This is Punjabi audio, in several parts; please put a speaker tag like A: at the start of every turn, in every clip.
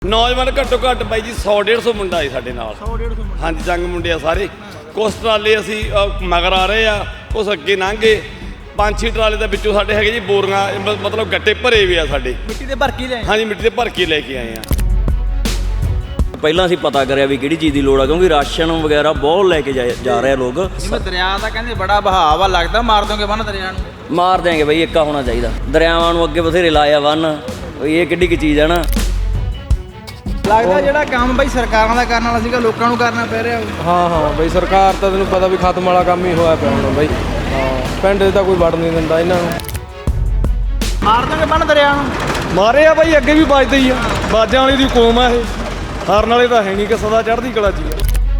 A: ਨੌਜਵਾਨ ਘੱਟੋ ਘੱਟ ਬਾਈ ਜੀ 100-150 ਮੁੰਡਾ ਹੈ ਸਾਡੇ ਨਾਲ।
B: 100-150 ਮੁੰਡਾ
A: ਹਾਂਜੀ, ਜੰਗ ਮੁੰਡੇ ਆ ਸਾਰੇ। ਕੁਛ ਟਰਾਲੇ ਅਸੀਂ ਮਗਰ ਆ ਰਹੇ ਆ, ਕੁਛ ਅੱਗੇ ਲੰਘੇ। 5-6 ਟਰਾਲੇ ਦੇ ਵਿੱਚੋਂ ਸਾਡੇ ਹੈਗੇ ਜੀ ਬੋਰੀਆਂ, ਮਤਲਬ ਗੱਟੇ ਭਰੇ ਵੀ ਆ ਸਾਡੇ
B: ਮਿੱਟੀ ਦੇ ਭਰ ਕੇ ਲੈ।
A: ਹਾਂਜੀ, ਮਿੱਟੀ ਦੇ ਭਰ ਕੇ ਲੈ ਕੇ ਆਏ ਆ।
C: ਪਹਿਲਾਂ ਅਸੀਂ ਪਤਾ ਕਰਿਆ ਵੀ ਕਿਹੜੀ ਚੀਜ਼ ਦੀ ਲੋੜ ਆ, ਕਿਉਂਕਿ ਰਾਸ਼ਨ ਵਗੈਰਾ ਬਹੁਤ ਲੈ ਕੇ ਜਾ ਰਹੇ ਲੋਕ।
B: ਜਿਵੇਂ ਦਰਿਆ ਦਾ ਕਹਿੰਦੇ ਬੜਾ ਬਹਾਵ ਆ, ਲੱਗਦਾ ਮਾਰ ਦੋਗੇ ਬੰਨ ਦਰਿਆ ਨੂੰ।
C: ਮਾਰ ਦਿਆਂਗੇ ਬਈ, ਏਕਾ ਹੋਣਾ ਚਾਹੀਦਾ। ਦਰਿਆਵਾਂ ਨੂੰ ਅੱਗੇ ਬਥੇਰੇ ਲਾਇਆ ਬੰਨ, ਇਹ ਕਿੱਡੀ ਕੁ ਚੀਜ਼ ਆ ਨਾ।
B: ਲੱਗਦਾ ਜਿਹੜਾ ਕੰਮ ਬਈ ਸਰਕਾਰਾਂ ਦਾ ਕਰਨ ਵਾਲਾ ਸੀਗਾ ਲੋਕਾਂ ਨੂੰ ਕਰਨਾ ਪੈ ਰਿਹਾ।
D: ਹਾਂ ਬਈ, ਸਰਕਾਰ ਤਾਂ ਤੈਨੂੰ ਪਤਾ ਵੀ ਖਤਮ ਵਾਲਾ ਕੰਮ ਹੀ ਹੋਇਆ ਪਿਆ ਹੁਣ ਬਈ। ਹਾਂ, ਪਿੰਡ 'ਚ ਤਾਂ ਕੋਈ ਵੜ ਨਹੀਂ ਦਿੰਦਾ ਇਹਨਾਂ ਨੂੰ।
B: ਮਾਰ ਦੋਗੇ ਬੰਨ ਦਰਿਆ ਨੂੰ।
D: ਮਾਰੇ ਆ ਬਾਈ, ਅੱਗੇ ਵੀ ਵੱਜਦੇ ਹੀ ਆ। ਬਾਜਾਂ ਵਾਲੀ ਦੀ ਕੌਮ ਆ ਇਹ, ਹਾਰਨ ਵਾਲੇ ਤਾਂ ਹੈ ਨਹੀਂ ਕਿ ਸਦਾ ਚੜ੍ਹਦੀ ਕਲਾ 'ਚ ਹੀ ਆ।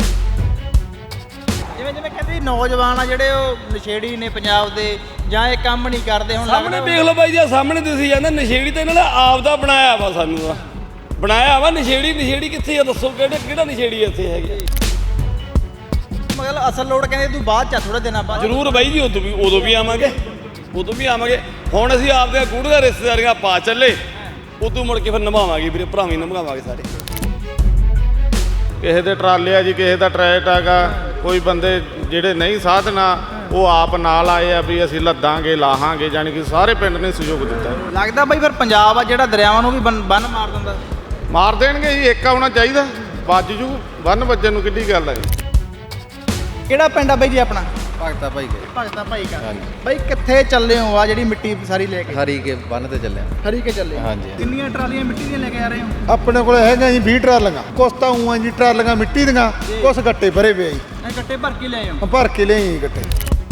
B: ਜਿਵੇਂ ਕਹਿੰਦੇ ਨੌਜਵਾਨ ਆ ਜਿਹੜੇ ਉਹ ਨਸ਼ੇੜੀ ਨੇ ਪੰਜਾਬ ਦੇ, ਜਾਂ ਇਹ ਕੰਮ ਨਹੀਂ ਕਰਦੇ। ਹੁਣ
A: ਸਾਹਮਣੇ ਵੇਖ ਲਓ ਬਾਈ ਜੀ, ਸਾਹਮਣੇ ਤੁਸੀਂ ਜਾਂਦਾ ਨਸ਼ੇੜੀ ਤਾਂ ਇਹਨਾਂ ਨੇ ਆਪ ਦਾ ਬਣਾਇਆ ਵਾ, ਸਾਨੂੰ ਆ ਬਣਾਇਆ ਵਾ। ਨਸ਼ੇੜੀ ਕਿੱਥੇ ਆ ਦੱਸੋ? ਕਿਹੜਾ ਨਸ਼ੇੜੀ ਇੱਥੇ ਹੈਗੇ?
B: ਮਤਲਬ ਅਸਲ ਲੋੜ ਕਹਿੰਦੇ ਤੂੰ ਬਾਅਦ ਚ ਥੋੜੇ ਦਿਨਾਂ ਬਾਅਦ।
A: ਜ਼ਰੂਰ ਬਾਈ ਜੀ, ਉਦੋਂ ਵੀ ਆਵਾਂਗੇ। ਹੁਣ ਅਸੀਂ ਆਪਦੇ ਗੂੜ੍ਹੀਆਂ ਰਿਸ਼ਤੇਦਾਰੀਆਂ ਪਾ ਚੱਲੇ, ਉਦੋਂ ਮੁੜ ਕੇ ਫਿਰ ਨਿਭਾਵਾਂਗੇ ਵੀਰੇ, ਭਰਾਵੀਂ ਨਿਭਾਵਾਂਗੇ ਸਾਰੇ।
E: ਕਿਸੇ ਦੇ ਟਰਾਲੇ ਆ ਜੀ, ਕਿਸੇ ਦਾ ਟਰੈਕਟ ਹੈਗਾ। ਕੋਈ ਬੰਦੇ ਜਿਹੜੇ ਨਹੀਂ ਸਾਧਨਾ ਉਹ ਆਪ ਨਾਲ ਆਏ ਆ ਵੀ ਅਸੀਂ ਲੱਦਾਂਗੇ ਲਾਹਾਂਗੇ, ਜਾਣੀ ਕਿ ਸਾਰੇ ਪਿੰਡ ਨੇ ਸਹਿਯੋਗ ਦਿੱਤਾ।
B: ਲੱਗਦਾ ਬਈ ਫਿਰ ਪੰਜਾਬ ਆ ਜਿਹੜਾ ਦਰਿਆਵਾਂ ਨੂੰ ਵੀ ਬੰਨ ਮਾਰ ਦਿੰਦਾ।
E: ਮਾਰ ਦੇਣਗੇ ਜੀ, ਏਕਾ ਹੋਣਾ ਚਾਹੀਦਾ। ਵੱਜ ਜੂ, ਬੰਨ ਵੱਜਣ ਨੂੰ ਕਿੱਡੀ ਗੱਲ ਹੈ।
B: ਕਿਹੜਾ ਪਿੰਡ ਆ ਬਈ ਜੀ ਆਪਣਾ?
F: ਭਗਤਾ ਭਾਈ ਗਏ
B: ਭਗਤਾ ਭਾਈ ਕਾ। ਬਈ ਕਿੱਥੇ ਚੱਲੇ ਹੋ ਆ ਜਿਹੜੀ ਮਿੱਟੀ ਸਾਰੀ ਲੈ ਕੇ?
F: ਹਰੀ ਕੇ ਬੰਨ ਤੇ ਚੱਲਿਆ।
B: ਹਰੀ ਕੇ ਚੱਲੇ।
F: ਹਾਂਜੀ।
B: ਕਿੰਨੀਆਂ ਟਰਾਲੀਆਂ ਮਿੱਟੀ ਦੀਆਂ ਲੈ ਕੇ ਆ ਰਹੇ ਹੋ?
G: ਆਪਣੇ ਕੋਲ ਹੈਗਾ ਜੀ 20 ਟਰਾਲੀਆਂ। ਕੁਛ ਤਾਂ ਊਂ ਆ ਜੀ ਟਰਾਲੀਆਂ ਮਿੱਟੀ ਦੀਆਂ, ਕੁਛ ਗੱਟੇ ਭਰੇ ਪਏ ਜੀ।
B: ਇਹ ਗੱਟੇ ਭਰ ਕੇ ਲੈ ਆਓ।
G: ਭਰ ਕੇ ਲਿਆਈ ਗੱਟੇ।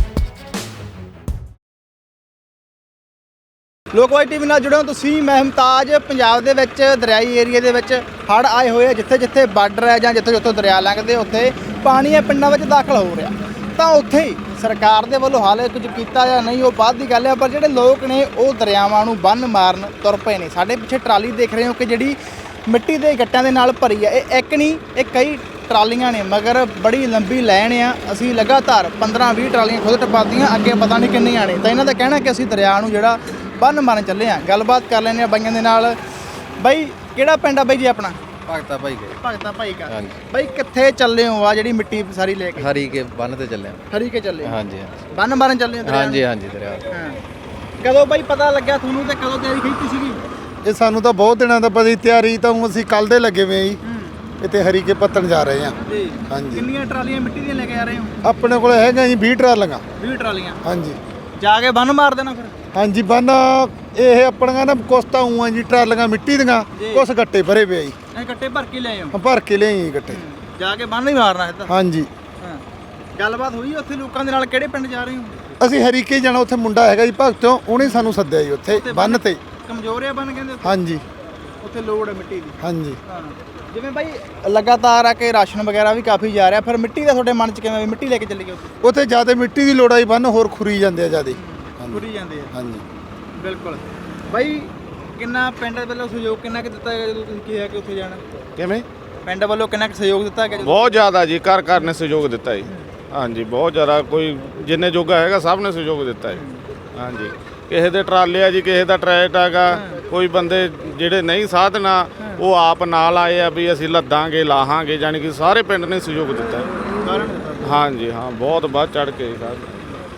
B: ਲੋਕਵਾਈ ਟੀਵੀ ਨਾਲ ਜੁੜੇ ਹੋ ਤੁਸੀਂ। ਮੈਂ ਮੁਮਤਾਜ। ਪੰਜਾਬ ਦੇ ਵਿੱਚ ਦਰਿਆਈ ਏਰੀਆ ਦੇ ਵਿੱਚ ਹੜ੍ਹ ਆਏ ਹੋਏ ਆ। ਜਿੱਥੇ ਬਾਰਡਰ ਹੈ ਜਾਂ ਜਿੱਥੋਂ ਦਰਿਆ ਲੰਘਦੇ ਉੱਥੇ ਪਾਣੀ ਇਹ ਪਿੰਡਾਂ ਵਿੱਚ ਦਾਖਲ ਹੋ ਰਿਹਾ। ਤਾਂ ਉੱਥੇ ਹੀ ਸਰਕਾਰ ਦੇ ਵੱਲੋਂ ਹਾਲੇ ਕੁਝ ਕੀਤਾ ਜਾਂ ਨਹੀਂ ਉਹ ਬਾਅਦ ਦੀ ਗੱਲ ਹੈ, ਪਰ ਜਿਹੜੇ ਲੋਕ ਨੇ ਉਹ ਦਰਿਆਵਾਂ ਨੂੰ ਬੰਨ ਮਾਰਨ ਤੁਰ ਪਏ ਨੇ। ਸਾਡੇ ਪਿੱਛੇ ਟਰਾਲੀ ਦੇਖ ਰਹੇ ਹੋ ਕਿ ਜਿਹੜੀ ਮਿੱਟੀ ਦੇ ਗੱਟਿਆਂ ਦੇ ਨਾਲ ਭਰੀ ਆ। ਇਹ ਇੱਕ ਨਹੀਂ, ਇਹ ਕਈ ਟਰਾਲੀਆਂ ਨੇ, ਮਗਰ ਬੜੀ ਲੰਬੀ ਲਾਈਨ ਆ। ਅਸੀਂ ਲਗਾਤਾਰ 15-20 ਟਰਾਲੀਆਂ ਖੁਦ ਟਪਾਤੀਆਂ, ਅੱਗੇ ਪਤਾ ਨਹੀਂ ਕਿੰਨੀਆਂ ਨੇ। ਤਾਂ ਇਹਨਾਂ ਦਾ ਕਹਿਣਾ ਕਿ ਅਸੀਂ ਦਰਿਆ ਨੂੰ ਜਿਹੜਾ ਬੰਨ ਮਾਰਨ ਚੱਲੇ ਆ। ਗੱਲਬਾਤ ਕਰ ਲੈਂਦੇ ਆ ਬਾਈਆਂ ਦੇ ਨਾਲ। ਬਾਈ ਕਿਹੜਾ ਪਿੰਡ ਆ ਬਾਈ ਜੀ ਆਪਣਾ?
F: ਭਗਤਾ ਭਾਈ ਗਏ।
B: ਭਗਤਾ ਭਾਈ ਕਾ।
F: ਹਾਂਜੀ।
B: ਬਾਈ ਕਿੱਥੇ ਚੱਲੇ ਹੋ ਆ ਜਿਹੜੀ ਮਿੱਟੀ ਸਾਰੀ ਲੈ ਕੇ?
F: ਹਰੀ ਕੇ ਬੰਨ ਤੇ ਚੱਲਿਆ।
B: ਹਰੀ ਕੇ ਚੱਲੇ।
F: ਹਾਂਜੀ
B: ਬੰਨ ਮਾਰਨ ਚੱਲੇ ਹੋ ਦਰਿਆ ਨੂੰ?
F: ਹਾਂਜੀ ਦਰਿਆ।
B: ਹਾਂ। ਕਦੋਂ ਬਾਈ ਪਤਾ ਲੱਗਿਆ ਤੁਹਾਨੂੰ ਤੇ ਕਦੋਂ ਤਿਆਰੀ ਕੀਤੀ ਸੀਗੀ?
G: ਇਹ ਸਾਨੂੰ ਤਾਂ ਬਹੁਤ ਦਿਨਾਂ ਦਾ ਪਤਾ। ਤਿਆਰੀ ਤਾਂ ਅਸੀਂ ਕੱਲ ਦੇ ਲੱਗੇ ਹੋਏ ਜੀ। ਇੱਥੇ ਹਰੀ ਕੇ ਪੱਤਣ ਜਾ ਰਹੇ ਆ।
B: ਜੀ।
G: ਹਾਂਜੀ।
B: ਕਿੰਨੀਆਂ ਟਰਾਲੀਆਂ ਮਿੱਟੀ ਦੀਆਂ ਲੈ ਕੇ ਆ ਰਹੇ ਹੋ?
G: ਆਪਣੇ ਕੋਲ ਹੈਗਾ ਜੀ 20 ਟਰਾਲੀਆਂ।
B: 20 ਟਰਾਲੀਆਂ।
G: ਹਾਂਜੀ।
B: ਜਾ ਕੇ ਬੰਨ ਮਾਰ ਦੇਣਾ ਫਿਰ?
G: ਹਾਂਜੀ, ਬੰਨ ਇਹ ਆਪਣੀਆਂ ਨਾ ਕੁਛ ਤਾਂ ਊਂ ਆ ਜੀ ਟਰਾਲੀਆਂ ਮਿੱਟੀ ਦੀਆਂ, ਕੁਛ ਗੱਟੇ ਭਰੇ ਪਏ ਜੀ।
B: ਇਹ ਗੱਟੇ ਭਰ ਕੇ ਲੈ ਆਓ।
G: ਭਰ ਕੇ ਲਿਆਈ ਗੱਟੇ।
B: ਜਾ ਕੇ ਬੰਨ ਹੀ ਮਾਰਨਾ ਇਹ ਤਾਂ।
G: ਹਾਂਜੀ।
B: ਹਾਂ। ਗੱਲਬਾਤ ਹੋਈ ਉੱਥੇ ਲੋਕਾਂ ਦੇ ਨਾਲ? ਕਿਹੜੇ ਪਿੰਡ ਜਾ ਰਹੇ ਹੋ?
G: ਅਸੀਂ ਹਰੀ ਕੇ ਜਾਣਾ। ਉੱਥੇ ਮੁੰਡਾ ਹੈਗਾ ਜੀ ਭਗਤੋਂ, ਉਹਨੇ ਸਾਨੂੰ ਸੱਦਿਆ ਜੀ ਉੱਥੇ ਬੰਨ ਤੇ।
B: ਕਮਜ਼ੋਰ ਆ ਬੰਨ ਕਹਿੰਦੇ ਉੱਥੇ?
G: ਹਾਂਜੀ।
B: ਉੱਥੇ ਲੋੜ ਹੈ ਮਿੱਟੀ ਦੀ।
G: ਹਾਂਜੀ।
B: ਹਾਂ। ਜਿਵੇਂ ਬਾਈ ਲਗਾਤਾਰ ਆ ਕੇ ਰਾਸ਼ਨ ਵਗੈਰਾ ਵੀ ਕਾਫੀ ਜਾ ਰਿਹਾ, ਫਿਰ ਮਿੱਟੀ ਦਾ ਤੁਹਾਡੇ ਮਨ 'ਚ ਕਿਵੇਂ ਵੀ ਮਿੱਟੀ ਲੈ ਕੇ ਚੱਲੀਏ ਉੱਥੇ?
G: ਉੱਥੇ ਜ਼ਿਆਦਾ ਮਿੱਟੀ ਦੀ ਲੋੜ ਆਈ, ਬੰਨ ਹੋਰ ਖੁਰੀ ਜਾਂਦੇ ਆ ਜ਼ਿਆਦਾ।
B: ਖੁਰੀ ਜਾਂਦੇ ਆ।
G: ਹਾਂਜੀ।
B: ਬਿਲਕੁਲ। ਬਾਈ ਕਿੰਨਾ ਪਿੰਡ ਵੱਲੋਂ ਸਹਿਯੋਗ ਕਿੰਨਾ ਕੁ ਦਿੱਤਾ ਗਿਆ ਜਦੋਂ ਤੁਸੀਂ ਕਿਹਾ ਕਿ ਉੱਥੇ ਜਾਣਾ?
E: ਕਿਵੇਂ?
B: ਪਿੰਡ ਵੱਲੋਂ ਕਿੰਨਾ ਕੁ ਸਹਿਯੋਗ ਦਿੱਤਾ ਗਿਆ?
E: ਬਹੁਤ ਜ਼ਿਆਦਾ ਜੀ, ਘਰ ਨੇ ਸਹਿਯੋਗ ਦਿੱਤਾ ਜੀ। ਹਾਂਜੀ, ਬਹੁਤ ਜ਼ਿਆਦਾ। ਕੋਈ ਜਿੰਨੇ ਜੋਗਾ ਹੈਗਾ ਸਭ ਨੇ ਸਹਿਯੋਗ ਦਿੱਤਾ ਜੀ। ਹਾਂਜੀ। ਕਿਸੇ ਦੇ ਟਰਾਲੇ ਆ ਜੀ, ਕਿਸੇ ਦਾ ਟਰੈਕਟ ਹੈਗਾ। ਕੋਈ ਬੰਦੇ ਜਿਹੜੇ ਨਹੀਂ ਸਾਧਨਾ ਉਹ ਆਪ ਨਾਲ ਆਏ ਆ ਵੀ ਅਸੀਂ ਲੱਦਾਂਗੇ ਲਾਹਾਂਗੇ, ਜਾਣੀ ਕਿ ਸਾਰੇ ਪਿੰਡ ਨੇ ਸਹਿਯੋਗ ਦਿੱਤਾ। ਹਾਂਜੀ ਹਾਂ, ਬਹੁਤ ਵੱਧ ਚੜ ਕੇ ਸਾਰੇ।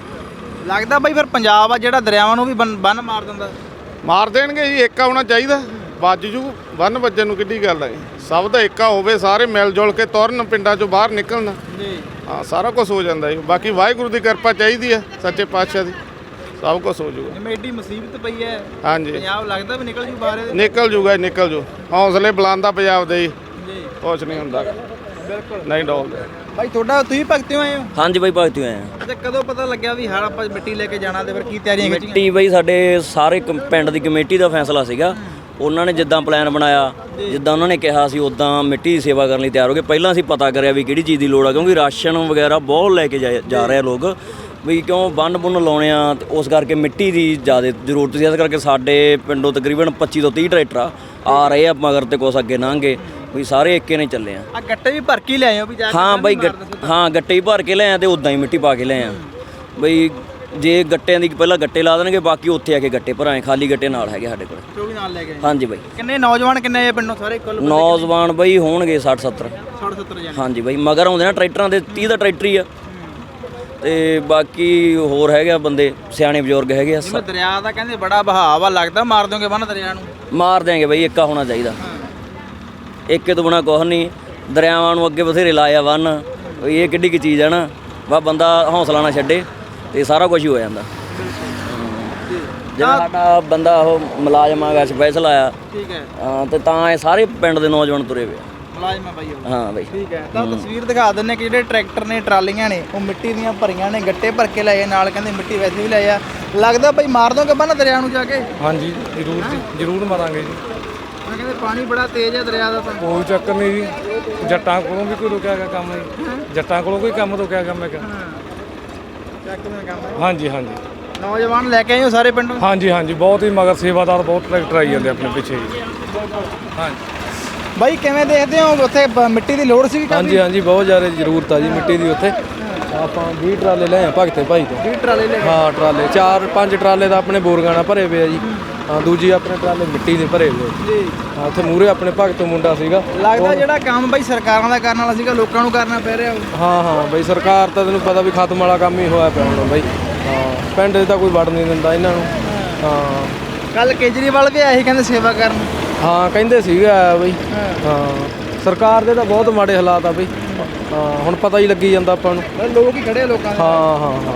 B: ਲੱਗਦਾ ਬਾਈ ਫਿਰ ਪੰਜਾਬ ਆ ਜਿਹੜਾ ਦਰਿਆਵਾਂ ਨੂੰ ਵੀ ਬੰਨ ਮਾਰ ਦਿੰਦਾ।
E: ਮਾਰ ਦੇਣਗੇ ਜੀ, ਏਕਾ ਹੋਣਾ ਚਾਹੀਦਾ। ਵੱਜ ਜੂ, ਬੰਨ ਵੱਜਣ ਨੂੰ ਕਿੱਡੀ ਗੱਲ ਹੈ। ਸਭ ਦਾ ਏਕਾ ਹੋਵੇ, ਸਾਰੇ ਮਿਲ ਜੁਲ ਕੇ ਤੁਰਨ, ਪਿੰਡਾਂ ਚੋਂ ਬਾਹਰ ਨਿਕਲਣ।
B: ਜੀ।
E: ਹਾਂ, ਸਾਰਾ ਕੁਝ ਹੋ ਜਾਂਦਾ ਜੀ। ਬਾਕੀ ਵਾਹਿਗੁਰੂ ਦੀ ਕਿਰਪਾ ਚਾਹੀਦੀ ਹੈ, ਸੱਚੇ ਪਾਤਸ਼ਾਹ ਦੀ, ਸਭ ਕੁਝ ਹੋ ਜੂਗਾ।
B: ਜਿਵੇਂ ਏਡੀ ਮੁਸੀਬਤ ਪਈ ਹੈ
E: ਹਾਂਜੀ,
B: ਪੰਜਾਬ, ਲੱਗਦਾ ਵੀ ਨਿਕਲ ਜੂ ਬਾਹਰ ਇਹਦੇ?
E: ਨਿਕਲ ਜੂਗਾ ਜੀ, ਨਿਕਲ ਜੂ। ਹੌਸਲੇ ਬੁਲੰਦਾ ਪੰਜਾਬ ਦੇ ਜੀ,
B: ਜੀ।
E: ਕੁਛ ਨਹੀਂ ਹੁੰਦਾ,
B: ਬਿਲਕੁਲ
E: ਨਹੀਂ ਡੋਲਦੇ।
B: ਬਾਈ ਤੁਹਾਡਾ ਤੁਸੀਂ ਭਗਤਿਓ ਆਏ ਹੋ?
C: ਹਾਂਜੀ ਬਾਈ, ਭਗਤੂ ਆਏ ਆ।
B: ਤੇ ਕਦੋਂ ਪਤਾ ਲੱਗਿਆ ਵੀ ਹੜ ਆਪਾਂ ਮਿੱਟੀ ਲੈ ਕੇ ਜਾਣਾ, ਤੇ ਫਿਰ ਕੀ ਤਿਆਰੀਆਂ ਕੀਤੀਆਂ?
C: ਮਿੱਟੀ ਬਈ ਸਾਡੇ ਸਾਰੇ ਪਿੰਡ ਦੀ ਕਮੇਟੀ ਦਾ ਫੈਸਲਾ ਸੀਗਾ। ਉਹਨਾਂ ਨੇ ਜਿੱਦਾਂ ਪਲਾਨ ਬਣਾਇਆ, ਜਿੱਦਾਂ ਉਹਨਾਂ ਨੇ ਕਿਹਾ ਸੀ, ਉਦਾਂ ਮਿੱਟੀ ਦੀ ਸੇਵਾ ਕਰਨ ਲਈ ਤਿਆਰ ਹੋ ਗਏ। ਪਹਿਲਾਂ ਅਸੀਂ ਪਤਾ ਕਰਿਆ ਵੀ ਕਿਹੜੀ ਚੀਜ਼ ਦੀ ਲੋੜ ਆ, ਕਿਉਂਕਿ ਰਾਸ਼ਨ ਵਗੈਰਾ ਬਹੁਤ ਲੈ ਕੇ ਜਾ ਰਹੇ ਲੋਕ। ਵੀ ਕਿਉਂ ਬੰਨ ਲਾਉਣੇ ਆ, ਤੇ ਉਸ ਕਰਕੇ ਮਿੱਟੀ ਦੀ ਜ਼ਿਆਦਾ ਜ਼ਰੂਰਤ ਸੀ। ਇਸ ਕਰਕੇ ਸਾਡੇ ਪਿੰਡੋਂ ਤਕਰੀਬਨ 25 ਤੋਂ 30 ਟਰੈਕਟਰ ਆ ਰਹੇ ਆ ਮਗਰ, ਤੇ ਕੁਛ ਅੱਗੇ ਲੰਘੇ। ਵੀ ਸਾਰੇ ਇੱਕੇ ਨੇ ਚੱਲੇ ਆ।
B: ਗੱਟੇ ਵੀ ਭਰ ਕੇ ਲੈ ਆਏ ਹੋ ਵੀ ਜਾ ਕੇ?
C: ਹਾਂ ਬਾਈ, ਹਾਂ ਗੱਟੇ ਹੀ ਭਰ ਕੇ ਲੈ ਆ ਤੇ ਉਦਾਂ ਹੀ ਮਿੱਟੀ ਪਾ ਕੇ ਲੈ ਆ। ਬਈ ਜੇ ਗੱਟਿਆਂ ਦੀ ਪਹਿਲਾਂ ਗੱਟੇ ਲਾ ਦੇਣਗੇ, ਬਾਕੀ ਉੱਥੇ ਆ ਕੇ ਗੱਟੇ ਭਰਾਏ, ਖਾਲੀ ਗੱਟੇ ਨਾਲ ਹੈਗੇ ਸਾਡੇ ਕੋਲ।
B: ਜੋ ਵੀ ਨਾਲ ਲੈ ਕੇ ਆਏ।
C: ਹਾਂਜੀ ਬਾਈ।
B: ਕਿੰਨੇ ਨੌਜਵਾਨ ਕਿੰਨੇ ਆ ਪਿੰਡੋਂ ਸਾਰੇ ਕੁੱਲ
C: ਨੌਜਵਾਨ ਬਾਈ ਹੋਣਗੇ 60 70।
B: 60-70 ਜਣੇ।
C: ਹਾਂਜੀ ਬਾਈ, ਮਗਰ ਆਉਂਦੇ ਨਾ ਟਰੈਕਟਰਾਂ ਦੇ, 30 ਦਾ ਟਰੈਕਟਰ ਹੀ ਆ, ਤੇ ਬਾਕੀ ਹੋਰ ਹੈਗੇ ਆ ਬੰਦੇ, ਸਿਆਣੇ ਬਜ਼ੁਰਗ ਹੈਗੇ ਆ।
B: ਜਿਵੇਂ ਦਰਿਆ ਦਾ ਕਹਿੰਦੇ ਬੜਾ ਬਹਾਵ ਆ, ਲੱਗਦਾ ਮਾਰ ਦੋਗੇ ਬੰਨ ਦਰਿਆ ਨੂੰ?
C: ਮਾਰ ਦਿਆਂਗੇ ਬਾਈ, ਇੱਕਾ ਹੋਣਾ ਚਾਹੀਦਾ, ਇੱਕੇ ਤੋਂ ਬਿਨਾਂ ਕੁਛ ਨਹੀਂ। ਦਰਿਆਵਾਂ ਨੂੰ ਅੱਗੇ ਬਥੇਰੇ ਲਾਇਆ ਬੰਨ, ਇਹ ਕਿੱਡੀ ਕੀ ਚੀਜ਼ ਆ ਨਾ, ਵਾ ਬੰਦਾ ਹੌਸਲਾ ਨਾ ਛੱਡੇ ਤੇ ਸਾਰਾ ਕੁਝ ਹੀ ਹੋ ਜਾਂਦਾ। ਜਿਹੜਾ ਸਾਡਾ ਬੰਦਾ ਉਹ ਮੁਲਾਜ਼ਮ ਆਗਾ, ਸਪੈਸ਼ਲ ਆਇਆ,
B: ਠੀਕ ਹੈ,
C: ਹਾਂ, ਤੇ ਤਾਂ ਇਹ ਸਾਰੇ ਪਿੰਡ ਦੇ ਨੌਜਵਾਨ ਤੁਰੇ ਪਏ।
B: ਮੁਲਾਜ਼ਮ ਆ ਬਾਈ ਉਹ।
C: ਹਾਂ ਬਾਈ।
B: ਠੀਕ ਹੈ, ਤਾਂ ਤਸਵੀਰ ਦਿਖਾ ਦਿੰਨੇ ਕਿ ਜਿਹੜੇ ਟਰੈਕਟਰ ਨੇ, ਟਰਾਲੀਆਂ ਨੇ, ਉਹ ਮਿੱਟੀ ਦੀਆਂ ਭਰੀਆਂ ਨੇ, ਗੱਟੇ ਭਰ ਕੇ ਲਏ ਨਾਲ, ਕਹਿੰਦੇ ਮਿੱਟੀ ਵੈਸੇ ਵੀ ਲਏ ਆ। ਲੱਗਦਾ ਬਾਈ ਮਾਰ ਦੋਗੇ ਬੰਨ ਦਰਿਆ ਨੂੰ ਜਾ ਕੇ?
D: ਹਾਂਜੀ ਜ਼ਰੂਰ ਜੀ, ਜ਼ਰੂਰ ਮਾਰਾਂਗੇ ਜੀ।
B: ਮੈਂ ਕਹਿੰਦੇ ਪਾਣੀ ਬੜਾ ਤੇਜ਼ ਹੈ ਦਰਿਆ ਦਾ ਤਾਂ।
D: ਕੋਈ ਚੱਕਰ ਨਹੀਂ ਜੀ, ਜੱਟਾਂ ਕੋਲੋਂ ਵੀ ਕੋਈ ਰੁਕਿਆ ਗਿਆ ਕੰਮ ਜੀ, ਜੱਟਾਂ ਕੋਲੋਂ ਕੋਈ ਕੰਮ ਰੁਕਿਆ ਗਿਆ ਮੈਂ ਕਿਹਾ।
B: ਚੱਕ ਮੈਂ ਕੰਮ।
D: ਹਾਂਜੀ ਹਾਂਜੀ
B: ਨੌਜਵਾਨ ਲੈ ਕੇ ਆਏ ਹੋ ਸਾਰੇ ਪਿੰਡੋਂ?
D: ਹਾਂਜੀ ਹਾਂਜੀ, ਬਹੁਤ ਹੀ ਮਗਰ ਸੇਵਾਦਾਰ ਬਹੁਤ ਟਰੈਕਟਰ ਆਈ ਜਾਂਦੇ ਆਪਣੇ ਪਿੱਛੇ ਜੀ। ਹਾਂਜੀ
B: ਬਾਈ ਕਿਵੇਂ ਦੇਖਦੇ ਹੋ, ਉੱਥੇ ਮਿੱਟੀ ਦੀ ਲੋੜ ਸੀ ਕਾਫੀ?
D: ਹਾਂਜੀ ਹਾਂਜੀ, ਬਹੁਤ ਜ਼ਿਆਦਾ ਜ਼ਰੂਰਤ ਆ ਜੀ ਮਿੱਟੀ ਦੀ ਉੱਥੇ। ਆਪਾਂ 20 ਟਰਾਲੇ ਲਏ ਆ ਭਗਤੇ ਭਾਈ ਤੋਂ।
B: 20 ਟਰਾਲੇ ਲੈ ਕੇ?
D: ਹਾਂ ਟਰਾਲੇ 4-5 ਟਰਾਲੇ ਤਾਂ ਆਪਣੇ ਬੋਰਗਾਂ ਨਾਲ ਭਰੇ ਪਏ ਆ ਜੀ। ਹਾਂ, ਦੂਜੀ ਆਪਣੇ ਟਰਾਲੇ ਮਿੱਟੀ ਦੇ ਭਰੇ ਹੋਏ
B: ਜੀ।
D: ਹਾਂ, ਉੱਥੇ ਮੂਹਰੇ ਆਪਣੇ ਭਗਤ ਮੁੰਡਾ ਸੀਗਾ।
B: ਲੱਗਦਾ ਜਿਹੜਾ ਕੰਮ ਬਾਈ ਸਰਕਾਰਾਂ ਦਾ ਕਰਨ ਵਾਲਾ ਸੀਗਾ, ਲੋਕਾਂ ਨੂੰ ਕਰਨਾ ਪੈ ਰਿਹਾ ਉਹ।
D: ਹਾਂ ਹਾਂ ਬਈ, ਸਰਕਾਰ ਤਾਂ ਤੈਨੂੰ ਪਤਾ ਵੀ ਖਤਮ ਵਾਲਾ ਕੰਮ ਹੀ ਹੋਇਆ ਪਿਆ ਹੁਣ ਬਈ। ਹਾਂ, ਪਿੰਡ 'ਚ ਤਾਂ ਕੋਈ ਵੜ ਨਹੀਂ ਦਿੰਦਾ ਇਹਨਾਂ ਨੂੰ। ਹਾਂ,
B: ਕੱਲ ਕੇਜਰੀਵਾਲ ਵੀ ਆਏ ਸੀ, ਕਹਿੰਦੇ ਸੇਵਾ ਕਰਨ।
D: ਹਾਂ ਕਹਿੰਦੇ ਸੀਗਾ ਬਈ। ਹਾਂ, ਸਰਕਾਰ ਦੇ ਤਾਂ ਬਹੁਤ ਮਾੜੇ ਹਾਲਾਤ ਆ ਬਈ। ਹਾਂ, ਹੁਣ ਪਤਾ ਹੀ ਲੱਗੀ ਜਾਂਦਾ ਆਪਾਂ ਨੂੰ।
B: ਲੋਕ ਹੀ ਖੜੇ ਆ ਲੋਕਾਂ ਦੇ।
D: ਹਾਂ ਹਾਂ ਹਾਂ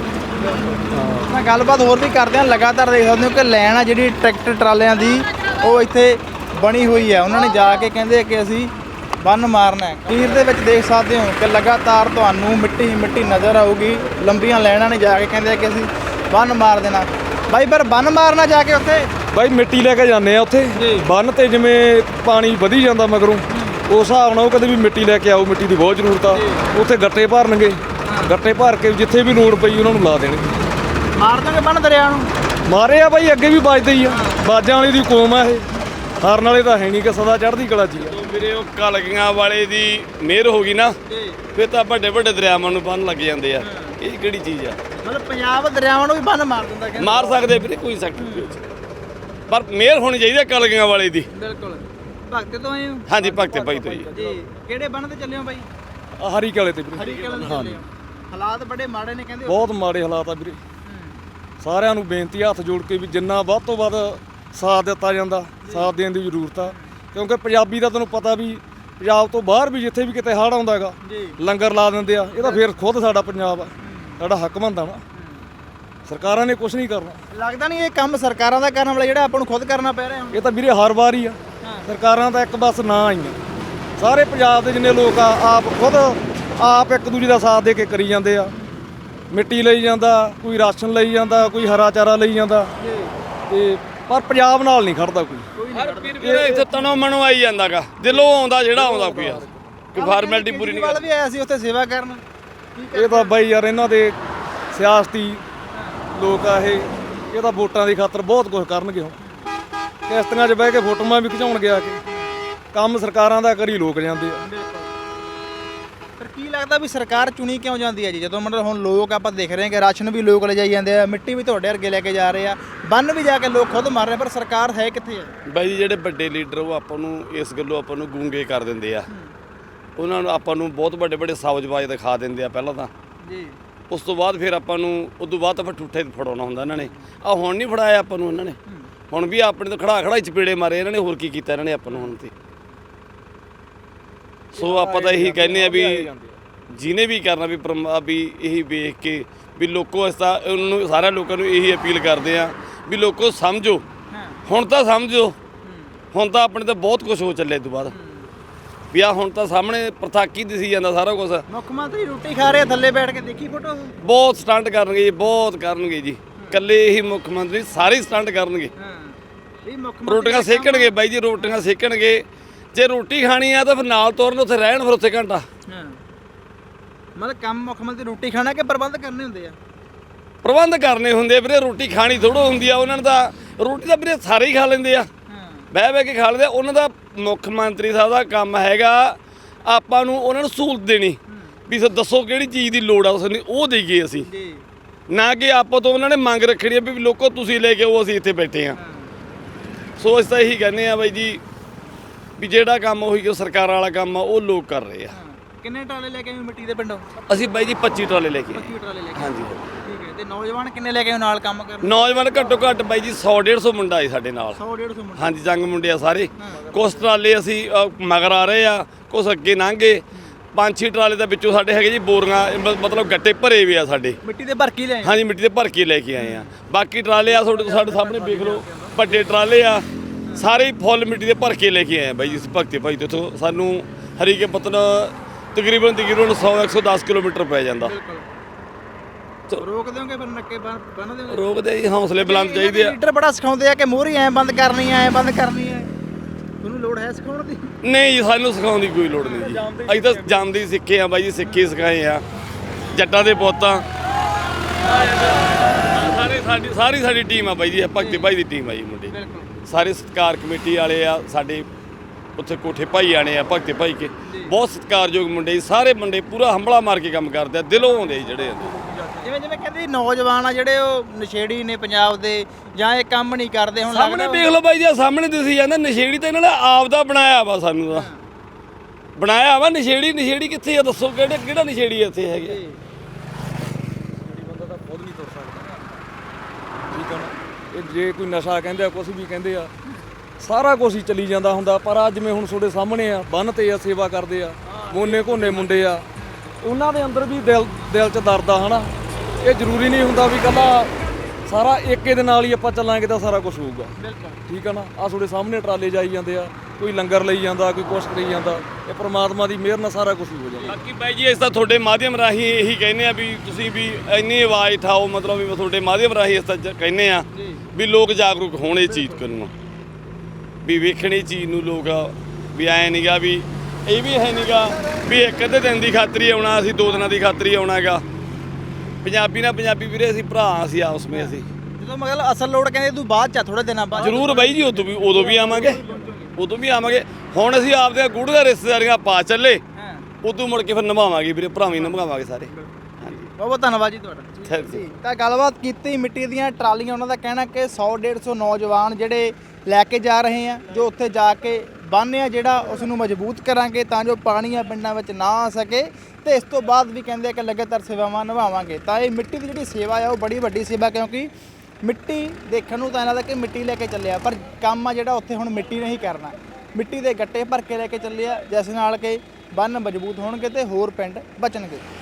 B: ਮੈਂ ਗੱਲਬਾਤ ਹੋਰ ਵੀ ਕਰਦੇ ਹਾਂ। ਲਗਾਤਾਰ ਦੇਖ ਸਕਦੇ ਹੋ ਕਿ ਲਾਈਨ ਆ ਜਿਹੜੀ ਟਰੈਕਟਰ ਟਰਾਲਿਆਂ ਦੀ, ਉਹ ਇੱਥੇ ਬਣੀ ਹੋਈ ਹੈ। ਉਹਨਾਂ ਨੇ ਜਾ ਕੇ ਕਹਿੰਦੇ ਕਿ ਅਸੀਂ ਬੰਨ ਮਾਰਨਾ ਹੈ। ਤਸਵੀਰ ਦੇ ਵਿੱਚ ਦੇਖ ਸਕਦੇ ਹੋ ਕਿ ਲਗਾਤਾਰ ਤੁਹਾਨੂੰ ਮਿੱਟੀ ਮਿੱਟੀ ਨਜ਼ਰ ਆਊਗੀ। ਲੰਬੀਆਂ ਲਾਈਨਾਂ ਨੇ ਜਾ ਕੇ ਕਹਿੰਦੇ ਕਿ ਅਸੀਂ ਬੰਨ ਮਾਰ ਦੇਣਾ। ਬਾਈ ਪਰ ਬੰਨ ਮਾਰਨਾ ਜਾ ਕੇ ਉੱਥੇ
H: ਬਾਈ ਮਿੱਟੀ ਲੈ ਕੇ ਜਾਂਦੇ ਆ ਉੱਥੇ ਬੰਨ ਤੇ, ਜਿਵੇਂ ਪਾਣੀ ਵਧੀ ਜਾਂਦਾ ਮਗਰੋਂ, ਉਸ ਹਿਸਾਬ ਨਾਲ ਉਹ ਕਹਿੰਦੇ ਵੀ ਮਿੱਟੀ ਲੈ ਕੇ ਆਓ, ਮਿੱਟੀ ਦੀ ਬਹੁਤ ਜ਼ਰੂਰਤ ਆ। ਉੱਥੇ ਗੱਟੇ ਭਰਨਗੇ, ਗੱਟੇ ਭਰ ਕੇ ਜਿੱਥੇ ਵੀ ਲੋੜ ਪਈ ਉਹਨਾਂ ਨੂੰ ਲਾ ਦੇਣਗੇ।
B: ਮਾਰ ਦੋਗੇ ਬੰਨ ਦਰਿਆ ਨੂੰ?
H: ਮਾਰੇ ਆ ਬਾਈ, ਅੱਗੇ ਵੀ ਵੱਜਦੇ ਹੀ ਆ, ਬਾਜਾਂ ਵਾਲੀ ਦੀ ਕੌਮ ਆ ਇਹ, ਹਾਰਨ ਵਾਲੇ ਤਾਂ ਹੈ ਨਹੀਂ ਕਿ ਸਦਾ ਚੜ੍ਹਦੀ ਕਲਾ 'ਚ ਹੀ ਆ।
A: ਵੀਰੇ ਉਹ ਕਲਗੀਆਂ ਵਾਲੇ ਦੀ ਮਿਹਰ ਹੋ ਗਈ ਨਾ, ਫਿਰ ਤਾਂ ਵੱਡੇ ਵੱਡੇ ਦਰਿਆਵਾਂ ਨੂੰ ਬੰਨ ਲੱਗ ਜਾਂਦੇ ਆ। ਇਹ ਕਿਹੜੀ ਚੀਜ਼ ਆ?
B: ਮਤਲਬ ਪੰਜਾਬ ਦਰਿਆਵਾਂ ਨੂੰ ਵੀ ਬੰਨ ਮਾਰ ਦਿੰਦਾ ਕਹਿੰਦੇ।
A: ਮਾਰ ਸਕਦੇ ਵੀਰੇ, ਕੋਈ ਸਖਤ ਨਹੀਂ, ਪਰ ਮਿਹਰ ਹੋਣੀ ਚਾਹੀਦੀ ਹੈ ਕਲਗੀਆਂ ਵਾਲੇ ਦੀ।
B: ਬਿਲਕੁਲ। ਭਗਤ ਤੋਂ ਆਏ ਹੋ?
A: ਹਾਂਜੀ, ਭਗਤੇ ਭਾਈ ਤੋਂ ਜੀ।
B: ਜੀ। ਕਿਹੜੇ ਬੰਨ ਤੇ ਚੱਲੇ ਹੋ ਬਾਈ?
H: ਹਰੀ ਕਾਲੇ ਤੇ ਵੀਰੇ
B: ਹਰੀਕੇ ਵਾਲੇ ਚੱਲੇ ਹੋ। ਹਾਲਾਤ ਬੜੇ ਮਾੜੇ ਨੇ ਕਹਿੰਦੇ।
H: ਬਹੁਤ ਮਾੜੇ ਹਾਲਾਤ ਆ ਵੀਰੇ। ਸਾਰਿਆਂ ਨੂੰ ਬੇਨਤੀ ਹੱਥ ਜੋੜ ਕੇ ਵੀ ਜਿੰਨਾ ਵੱਧ ਤੋਂ ਵੱਧ ਸਾਥ ਦਿੱਤਾ ਜਾਂਦਾ, ਸਾਥ ਦੇਣ ਦੀ ਜ਼ਰੂਰਤ ਆ। ਕਿਉਂਕਿ ਪੰਜਾਬੀ ਦਾ ਤੁਹਾਨੂੰ ਪਤਾ ਵੀ ਪੰਜਾਬ ਤੋਂ ਬਾਹਰ ਵੀ ਜਿੱਥੇ ਵੀ ਕਿਤੇ ਹੜ੍ਹ ਆਉਂਦਾ ਹੈਗਾ, ਲੰਗਰ ਲਾ ਦਿੰਦੇ ਆ। ਇਹ ਤਾਂ ਫਿਰ ਖੁਦ ਸਾਡਾ ਪੰਜਾਬ ਆ, ਸਾਡਾ ਹੱਕ ਬਣਦਾ ਨਾ। ਸਰਕਾਰਾਂ ਨੇ ਕੁਝ ਨਹੀਂ ਕਰਨਾ।
B: ਲੱਗਦਾ ਨਹੀਂ ਇਹ ਕੰਮ ਸਰਕਾਰਾਂ ਦਾ ਕਰਨ ਵਾਲਾ ਜਿਹੜਾ ਆਪਾਂ ਨੂੰ ਖੁਦ ਕਰਨਾ ਪੈ ਰਿਹਾ ਹੁਣ?
H: ਇਹ ਤਾਂ ਵੀਰੇ ਹਰ ਵਾਰ ਹੀ ਆ। ਸਰਕਾਰਾਂ ਦਾ ਇੱਕ ਬਸ ਨਾਂ ਆਈਆਂ। ਸਾਰੇ ਪੰਜਾਬ ਦੇ ਜਿੰਨੇ ਲੋਕ ਆ, ਆਪ ਖੁਦ ਆਪ ਇੱਕ ਦੂਜੇ ਦਾ ਸਾਥ ਦੇ ਕੇ ਕਰੀ ਜਾਂਦੇ ਆ। ਮਿੱਟੀ ਲਈ ਜਾਂਦਾ, ਕੋਈ ਰਾਸ਼ਨ ਲਈ ਜਾਂਦਾ, ਕੋਈ ਹਰਾ ਚਾਰਾ ਲਈ ਜਾਂਦਾ, ਤੇ ਪਰ ਪੰਜਾਬ ਨਾਲ ਨਹੀਂ ਖੜਦਾ ਕੋਈ।
A: ਹਰ ਵੀਰੇ ਇੱਥੇ ਤਨੋਂ ਮਨੋਂ ਆਈ ਜਾਂਦਾਗਾ, ਦਿਲੋਂ ਆਉਂਦਾ ਜਿਹੜਾ ਆਉਂਦਾ ਕੋਈ ਆ, ਕੋਈ ਫਾਰਮੈਲਿਟੀ ਪੂਰੀ ਨਹੀਂ
B: ਕੇਜਰੀਵਾਲ ਵੀ ਆਇਆ ਸੀ ਉੱਥੇ ਸੇਵਾ ਕਰਨ।
H: ਇਹ ਤਾਂ ਬਾਈ ਯਾਰ ਇਹਨਾਂ ਦੇ ਸਿਆਸਤੀ ਲੋਕ ਆ ਇਹ ਤਾਂ ਵੋਟਾਂ ਦੀ ਖਾਤਰ ਬਹੁਤ ਕੁਝ ਕਰਨਗੇ। ਹੁਣ ਕਿਸ਼ਤੀਆਂ 'ਚ ਬਹਿ ਕੇ ਫੋਟੋਆਂ ਵੀ ਖਿਚਾਉਣਗੇ ਆ ਕੇ। ਕੰਮ ਸਰਕਾਰਾਂ ਦਾ ਕਰੀ ਲੋਕ ਜਾਂਦੇ ਆ।
B: ਪਰ ਕੀ ਲੱਗਦਾ ਵੀ ਸਰਕਾਰ ਚੁਣੀ ਕਿਉਂ ਜਾਂਦੀ ਹੈ ਜੀ? ਜਦੋਂ ਮਤਲਬ ਹੁਣ ਲੋਕ ਆਪਾਂ ਦੇਖ ਰਹੇ ਹਾਂ ਕਿ ਰਾਸ਼ਨ ਵੀ ਲੋਕ ਲਿਜਾਈ ਜਾਂਦੇ ਆ, ਮਿੱਟੀ ਵੀ ਤੁਹਾਡੇ ਵਰਗੇ ਲੈ ਕੇ ਜਾ ਰਹੇ ਆ, ਬੰਨ ਵੀ ਜਾ ਕੇ ਲੋਕ ਖੁਦ ਮਾਰ ਰਹੇ, ਪਰ ਸਰਕਾਰ ਹੈ ਕਿੱਥੇ ਹੈ?
A: ਬਾਈ ਜੀ, ਜਿਹੜੇ ਵੱਡੇ ਲੀਡਰ ਉਹ ਆਪਾਂ ਨੂੰ ਇਸ ਗੱਲੋਂ ਆਪਾਂ ਨੂੰ ਗੂੰਗੇ ਕਰ ਦਿੰਦੇ ਆ। ਉਹਨਾਂ ਨੂੰ ਆਪਾਂ ਨੂੰ ਬਹੁਤ ਵੱਡੇ ਵੱਡੇ ਸਾਜ਼ਬਾਜ਼ ਦਿਖਾ ਦਿੰਦੇ ਆ ਪਹਿਲਾਂ ਤਾਂ
B: ਜੀ।
A: ਉਸ ਤੋਂ ਬਾਅਦ ਫਿਰ ਆਪਾਂ ਨੂੰ ਉਦੋਂ ਬਾਅਦ ਆਪਾਂ ਠੂਠੇ ਫੜਾਉਣਾ ਹੁੰਦਾ ਇਹਨਾਂ ਨੇ। ਆ ਹੁਣ ਨਹੀਂ ਫੜਾਇਆ ਆਪਾਂ ਨੂੰ ਇਹਨਾਂ ਨੇ, ਹੁਣ ਵੀ ਆਪਣੇ ਤੋਂ ਖੜਾ ਖੜਾ ਚਪੇੜੇ ਮਾਰੇ ਇਹਨਾਂ ਨੇ। ਹੋਰ ਕੀ ਕੀਤਾ ਇਹਨਾਂ ਨੇ ਆਪਾਂ ਨੂੰ ਹੁਣ ਤੇ? ਸੋ ਆਪਾਂ ਤਾਂ ਇਹੀ ਕਹਿੰਦੇ ਆ ਵੀ ਜਿਹਨੇ ਵੀ ਕਰਨਾ ਵੀ ਵੀ ਇਹੀ ਵੇਖ ਕੇ ਵੀ ਲੋਕੋ ਇਸ ਤਾਂ ਉਹਨਾਂ ਨੂੰ ਸਾਰਿਆਂ ਲੋਕਾਂ ਨੂੰ ਇਹੀ ਅਪੀਲ ਕਰਦੇ ਆ ਵੀ ਲੋਕੋ ਸਮਝੋ, ਹੁਣ ਤਾਂ ਸਮਝੋ। ਹੁਣ ਤਾਂ ਆਪਣੇ ਤਾਂ ਬਹੁਤ ਕੁਝ ਹੋ ਚੱਲਿਆ ਤੋਂ ਬਾਅਦ ਵੀ ਆ ਹੁਣ ਤਾਂ ਸਾਹਮਣੇ ਪ੍ਰਥਾਕੀ ਦਿਸੀ ਜਾਂਦਾ ਸਾਰਾ ਕੁਝ।
B: ਮੁੱਖ ਮੰਤਰੀ ਰੋਟੀ ਖਾ ਰਹੇ ਥੱਲੇ ਬੈਠ ਕੇ, ਦੇਖੀ ਫੋਟੋ?
A: ਬਹੁਤ ਸਟੰਟ ਕਰਨਗੇ ਜੀ, ਬਹੁਤ ਕਰਨਗੇ ਜੀ। ਇਕੱਲੇ ਇਹੀ ਮੁੱਖ ਮੰਤਰੀ ਸਾਰੇ ਸਟੰਟ ਕਰਨਗੇ। ਰੋਟੀਆਂ ਸੇਕਣਗੇ ਬਾਈ ਜੀ, ਰੋਟੀਆਂ ਸੇਕਣਗੇ। ਜੇ ਰੋਟੀ ਖਾਣੀ ਆ ਤਾਂ ਫਿਰ ਨਾਲ ਤੋਰਨ, ਉੱਥੇ ਰਹਿਣ ਫਿਰ ਉੱਥੇ ਘੰਟਾ।
B: ਮਤਲਬ ਕੰਮ ਮੁੱਖ ਮੰਤਰੀ ਰੋਟੀ ਖਾਣਾ ਕਿ ਪ੍ਰਬੰਧ ਕਰਨੇ ਹੁੰਦੇ ਆ?
A: ਪ੍ਰਬੰਧ ਕਰਨੇ ਹੁੰਦੇ ਵੀਰੇ, ਰੋਟੀ ਖਾਣੀ ਥੋੜ੍ਹਾ ਹੁੰਦੀ ਆ ਉਹਨਾਂ ਨੇ ਤਾਂ। ਰੋਟੀ ਤਾਂ ਵੀਰੇ ਸਾਰੇ ਹੀ ਖਾ ਲੈਂਦੇ ਆ, ਬਹਿ ਬਹਿ ਕੇ ਖਾ ਲੈਂਦੇ ਆ। ਉਹਨਾਂ ਦਾ ਮੁੱਖ ਮੰਤਰੀ ਸਾਹਿਬ ਦਾ ਕੰਮ ਹੈਗਾ ਆਪਾਂ ਨੂੰ ਉਹਨਾਂ ਨੂੰ ਸਹੂਲਤ ਦੇਣੀ, ਵੀ ਦੱਸੋ ਕਿਹੜੀ ਚੀਜ਼ ਦੀ ਲੋੜ ਆ, ਉਸ ਨੂੰ ਉਹ ਦੇਈਏ ਅਸੀਂ। ਨਾ ਕਿ ਆਪੋ ਤੋਂ ਉਹਨਾਂ ਨੇ ਮੰਗ ਰੱਖਣੀ ਆ ਵੀ ਲੋਕੋ ਤੁਸੀਂ ਲੈ ਕੇ ਆਓ, ਅਸੀਂ ਇੱਥੇ ਬੈਠੇ ਆ। ਸੋ ਅਸੀਂ ਤਾਂ ਇਹੀ ਕਹਿੰਦੇ ਆ ਬਾਈ ਜੀ ਵੀ ਜਿਹੜਾ ਕੰਮ ਉਹੀ ਕਿ ਸਰਕਾਰਾਂ ਵਾਲਾ ਕੰਮ ਆ ਉਹ ਲੋਕ ਕਰ ਰਹੇ ਆ।
B: ਕਿੰਨੇ ਟਰਾਲੇ ਲੈ ਕੇ ਆਏ ਮਿੱਟੀ ਦੇ ਪਿੰਡੋਂ?
A: ਅਸੀਂ ਬਾਈ ਜੀ 25 ਟਰਾਲੇ ਲੈ ਕੇ ਆਏ।
B: 25 ਟਰਾਲੇ ਲੈ ਕੇ
A: ਹਾਂਜੀ
B: ਠੀਕ ਹੈ। ਤੇ ਨੌਜਵਾਨ ਕਿੰਨੇ ਲੈ ਕੇ ਆਏ ਨਾਲ ਕੰਮ ਕਰਨ?
A: ਨੌਜਵਾਨ ਘੱਟੋ ਘੱਟ ਬਾਈ ਜੀ 100-150 ਮੁੰਡਾ ਹੈ ਸਾਡੇ ਨਾਲ।
B: 100-150 ਮੁੰਡੇ।
A: ਹਾਂਜੀ ਜੰਗ ਮੁੰਡੇ ਆ ਸਾਰੇ। ਕੁਛ ਟਰਾਲੇ ਅਸੀਂ ਮਗਰ ਆ ਰਹੇ ਆ, ਕੁਛ ਅੱਗੇ ਲੰਘੇ। 5-6 ਟਰਾਲੇ ਦੇ ਵਿੱਚੋਂ ਸਾਡੇ ਹੈਗੇ ਜੀ ਬੋਰੀਆਂ, ਮਤਲਬ ਗੱਟੇ ਭਰੇ ਵੀ ਆ ਸਾਡੇ।
B: ਮਿੱਟੀ ਦੇ ਭਰ ਕੇ ਲੈ ਆਏ?
A: ਹਾਂਜੀ ਮਿੱਟੀ ਦੇ ਭਰ ਕੇ ਲੈ ਕੇ ਆਏ ਆ। ਬਾਕੀ ਟਰਾਲੇ ਆ ਸਾਡੇ ਸਾਹਮਣੇ ਵੇਖ ਲਓ, ਵੱਡੇ ਟਰਾਲੇ ਆ ਸਾਰੇ ਹੀ ਫੁੱਲ ਮਿੱਟੀ ਦੇ ਭਰ ਕੇ ਲੈ ਕੇ ਆਏ ਆ ਬਾਈ ਜੀ। ਭਗਤੇ ਭਾਈ ਤੋਂ ਇੱਥੋਂ ਸਾਨੂੰ ਹਰੀਕੇ ਪੱਤਨ ਤਕਰੀਬਨ 100-110 ਕਿਲੋਮੀਟਰ ਪੈ ਜਾਂਦਾ।
B: ਰੋਕ ਦਿਓਗੇ ਫਿਰ ਨੱਕੇ ਬੰਨ ਦਿਓਗੇ?
A: ਰੋਕਦੇ ਜੀ, ਹੌਸਲੇ ਬੁਲੰਦ ਚਾਹੀਦੇ ਆ।
B: ਲੀਡਰ ਬੜਾ ਸਿਖਾਉਂਦੇ ਆ ਕਿ ਮੋਹਰੀ ਐ ਬੰਦ ਕਰਨੀ ਐ ਬੰਦ ਕਰਨੀ ਐ, ਤੁਹਾਨੂੰ ਲੋੜ ਹੈ ਸਿਖਾਉਣ ਦੀ?
A: ਨਹੀਂ ਜੀ, ਸਾਨੂੰ ਸਿਖਾਉਣ ਦੀ ਕੋਈ ਲੋੜ ਨਹੀਂ ਜੀ। ਅਸੀਂ ਤਾਂ ਜਾਂਦੇ ਹੀ ਸਿੱਖੇ ਆ ਬਾਈ ਜੀ, ਸਿੱਖੇ ਸਿਖਾਏ ਆ ਜੱਟਾਂ ਦੇ ਪੁੱਤਾਂ। ਸਾਰੀ ਟੀਮ ਆ ਬਾਈ ਜੀ, ਭਗਤੇ ਭਾਈ ਦੀ ਟੀਮ ਆ ਜੀ ਮੁੰਡੇ। ਸਾਰੇ ਸਤਿਕਾਰ ਕਮੇਟੀ ਵਾਲੇ ਆ ਸਾਡੇ, ਉੱਥੇ ਕੋਠੇ ਭਾਈ ਆਣੇ ਆ ਭਗਤੇ ਭਾਈ ਕੇ, ਬਹੁਤ ਸਤਿਕਾਰਯੋਗ ਮੁੰਡੇ ਜੀ। ਸਾਰੇ ਮੁੰਡੇ ਪੂਰਾ ਹੰਬਲਾ ਮਾਰ ਕੇ ਕੰਮ ਕਰਦੇ ਆ, ਦਿਲੋਂ ਆਉਂਦੇ ਜਿਹੜੇ।
B: ਜਿਵੇਂ ਕਹਿੰਦੇ ਨੌਜਵਾਨ ਆ ਜਿਹੜੇ ਉਹ ਨਸ਼ੇੜੀ ਨੇ ਪੰਜਾਬ ਦੇ, ਜਾਂ ਇਹ ਕੰਮ ਨਹੀਂ ਕਰਦੇ। ਹੁਣ
A: ਸਾਹਮਣੇ ਵੇਖ ਲਓ ਬਾਈ ਜੀ, ਸਾਹਮਣੇ ਦਿਸੀ ਜਾਂਦਾ ਨਸ਼ੇੜੀ ਤਾਂ ਇਹਨਾਂ ਨੇ ਆਪ ਦਾ ਬਣਾਇਆ ਵਾ, ਸਾਨੂੰ ਦਾ ਬਣਾਇਆ ਵਾ। ਨਸ਼ੇੜੀ ਕਿੱਥੇ ਆ ਦੱਸੋ, ਕਿਹੜਾ ਨਸ਼ੇੜੀ ਇੱਥੇ ਹੈਗੇ?
H: ਬੰਦਾ ਤਾਂ ਖੁਦ ਨਹੀਂ ਤੁਰ ਸਕਦਾ, ਠੀਕ ਆ ਨਾ। ਇਹ ਜੇ ਕੋਈ ਨਸ਼ਾ ਕਹਿੰਦੇ ਆ, ਕੁਝ ਵੀ ਕਹਿੰਦੇ ਆ, ਸਾਰਾ ਕੁਝ ਹੀ ਚੱਲੀ ਜਾਂਦਾ ਹੁੰਦਾ। ਪਰ ਅੱਜ ਜਿਵੇਂ ਹੁਣ ਤੁਹਾਡੇ ਸਾਹਮਣੇ ਆ, ਬੰਨ੍ਹ ਤੇ ਆ, ਸੇਵਾ ਕਰਦੇ ਆ, ਮੋਨੇ ਘੋਨੇ ਮੁੰਡੇ ਆ, ਉਹਨਾਂ ਦੇ ਅੰਦਰ ਵੀ ਦਿਲ 'ਚ ਦਰਦ ਆ ਹਨਾ। ਇਹ ਜ਼ਰੂਰੀ ਨਹੀਂ ਹੁੰਦਾ ਵੀ ਇਕੱਲਾ ਸਾਰਾ ਏਕੇ ਦੇ ਨਾਲ ਹੀ ਆਪਾਂ ਚੱਲਾਂਗੇ ਤਾਂ ਸਾਰਾ ਕੁਝ ਹੋਊਗਾ, ਠੀਕ ਆ ਨਾ। ਆ ਤੁਹਾਡੇ ਸਾਹਮਣੇ ਟਰਾਲੇ ਜਾਈ ਜਾਂਦੇ ਆ, ਕੋਈ ਲੰਗਰ ਲਈ ਜਾਂਦਾ, ਕੋਈ ਕੁਛ ਕਰੀ ਜਾਂਦਾ। ਇਹ ਪ੍ਰਮਾਤਮਾ ਦੀ ਮਿਹਰ ਨਾਲ ਸਾਰਾ ਕੁਝ ਹੋ ਜਾਂਦਾ।
A: ਬਾਕੀ ਬਾਈ ਜੀ, ਇਸ ਤਾਂ ਤੁਹਾਡੇ ਮਾਧਿਅਮ ਰਾਹੀਂ ਇਹੀ ਕਹਿੰਦੇ ਆ ਵੀ ਤੁਸੀਂ ਵੀ ਇੰਨੀ ਆਵਾਜ਼ ਉਠਾਓ, ਮਤਲਬ ਵੀ ਤੁਹਾਡੇ ਮਾਧਿਅਮ ਰਾਹੀਂ ਇਸ ਤਾਂ ਕਹਿੰਦੇ ਆ ਵੀ ਲੋਕ ਜਾਗਰੂਕ ਹੋਣ ਇਹ ਚੀਜ਼ ਨੂੰ, ਵੀ ਵੇਖਣੀ ਚੀਜ਼ ਨੂੰ ਲੋਕ ਵੀ ਐ ਨਹੀਂਗਾ ਵੀ ਇਹ ਵੀ ਹੈ ਨਹੀਂਗਾ ਵੀ ਇੱਕ ਅੱਧੇ ਦਿਨ ਦੀ ਖਾਤਰ ਹੀ ਆਉਣਾ, ਅਸੀਂ 2 ਦਿਨਾਂ ਦੀ ਖਾਤਰ ਹੀ ਆਉਣਾ ਹੈਗਾ। ਪੰਜਾਬੀ ਨਾਲ ਪੰਜਾਬੀ ਵੀਰੇ, ਅਸੀਂ ਭਰਾ ਅਸੀਂ ਆਪਸ ਵਿੱਚ। ਅਸੀਂ
B: ਜਦੋਂ ਮਤਲਬ ਅਸਲ ਲੋੜ ਕਹਿੰਦੇ ਤੂੰ ਬਾਅਦ ਚ ਥੋੜੇ ਦਿਨਾਂ ਬਾਅਦ
A: ਜ਼ਰੂਰ ਬਾਈ ਜੀ, ਉਦੋਂ ਵੀ ਆਵਾਂਗੇ। ਹੁਣ ਅਸੀਂ ਆਪਦੇ ਗੁੜੀਆਂ ਰਿਸ਼ਤੇਦਾਰੀਆਂ ਪਾ ਚੱਲੇ, ਉਦੋਂ ਮੁੜ ਕੇ ਫਿਰ ਨਿਭਾਵਾਂਗੇ ਵੀਰੇ, ਭਰਾਵੇਂ ਨਿਭਾਵਾਂਗੇ ਸਾਰੇ।
B: ਬਹੁਤ ਬਹੁਤ ਧੰਨਵਾਦ ਜੀ ਤੁਹਾਡਾ।
A: Thank you.
B: ਤਾਂ ਗੱਲਬਾਤ ਕੀਤੀ ਮਿੱਟੀ ਦੀਆਂ ਟਰਾਲੀਆਂ, ਉਹਨਾਂ ਦਾ ਕਹਿਣਾ ਕਿ 100-150 ਨੌਜਵਾਨ ਜਿਹੜੇ ਲੈ ਕੇ ਜਾ ਰਹੇ ਆ, ਜੋ ਉੱਥੇ ਜਾ ਕੇ ਬੰਨ੍ਹ ਆ ਜਿਹੜਾ ਉਸ ਨੂੰ ਮਜ਼ਬੂਤ ਕਰਾਂਗੇ ਤਾਂ ਜੋ ਪਾਣੀ ਆ ਪਿੰਡਾਂ ਵਿੱਚ ਨਾ ਆ ਸਕੇ। ਤੇ ਇਸ ਤੋਂ ਬਾਅਦ ਵੀ ਕਹਿੰਦੇ ਆ ਕਿ ਲਗਾਤਾਰ ਸੇਵਾਵਾਂ ਨਿਭਾਵਾਂਗੇ। ਤਾਂ ਇਹ ਮਿੱਟੀ ਦੀ ਜਿਹੜੀ ਸੇਵਾ ਆ ਉਹ ਬੜੀ ਵੱਡੀ ਸੇਵਾ, ਕਿਉਂਕਿ ਮਿੱਟੀ ਦੇਖਣ ਨੂੰ ਤਾਂ ਇਹਨਾਂ ਦਾ ਕਿ ਮਿੱਟੀ ਲੈ ਕੇ ਚੱਲਿਆ, ਪਰ ਕੰਮ ਆ ਜਿਹੜਾ ਉੱਥੇ ਹੁਣ ਮਿੱਟੀ ਨਹੀਂ ਕਰਨਾ, ਮਿੱਟੀ ਦੇ ਗੱਟੇ ਭਰ ਕੇ ਲੈ ਕੇ ਚੱਲਿਆ, ਜਿਸ ਨਾਲ ਕਿ ਬੰਨ੍ਹ ਮਜ਼ਬੂਤ ਹੋਣਗੇ ਤੇ ਹੋਰ ਪਿੰਡ ਬਚਣਗੇ।